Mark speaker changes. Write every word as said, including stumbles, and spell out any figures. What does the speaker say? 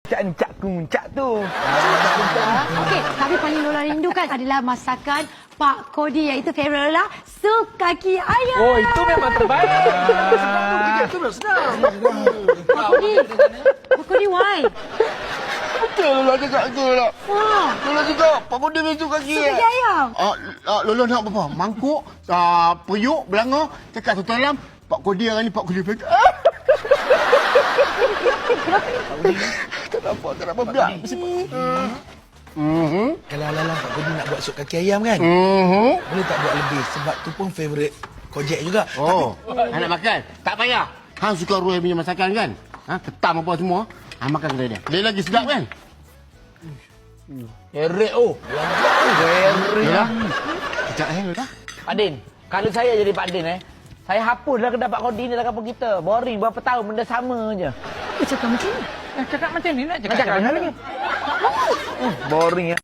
Speaker 1: Cak ni cak kuncak tu.
Speaker 2: Okey, tapi paling Lola rindukan adalah masakan Pak Kodi, iaitu favourite Lola, sup kaki ayam.
Speaker 1: Oh, itu memang terbaik.
Speaker 3: Sebab tu kerja tu dah senang.
Speaker 2: Pak Kodi, Pak Kodi, why?
Speaker 3: Betul Lola cakap tu Lola.
Speaker 2: Wah,
Speaker 3: Lola cakap, Pak Kodi besok kaki.
Speaker 2: sup kaki ayam.
Speaker 3: Ah, ah, Lola nak apa? Mangkuk, ah, periuk, belanga, cakap satu dalam. Pak Kodi hari ni Pak Kodi pegang. Kenapa? Kenapa pula? Mhm.
Speaker 4: Kalau Alang Pak Kodi nak buat sup kaki ayam kan,
Speaker 3: Mhm.
Speaker 4: boleh tak buat lebih? Sebab tu pun favourite Kojek juga.
Speaker 3: Oh, hang nak makan? Tak payah. Hang suka Roy punya masakan kan? Ha, ketam apa semua. Hang makan kedai dia. Dia lagi sedap kan?
Speaker 1: Heret oh. Heret.
Speaker 3: Yalah. Kejap eh, Lola.
Speaker 1: Pak Din, kalau saya jadi Pak Din eh, saya hapuslah kedai Pak Kodi ni dalam kampung kita. Boring berapa tahun benda sama je.
Speaker 2: Apa cakap macam ni?
Speaker 1: Cakap macam ni nak cakap. Cakap macam ni. Boring ya.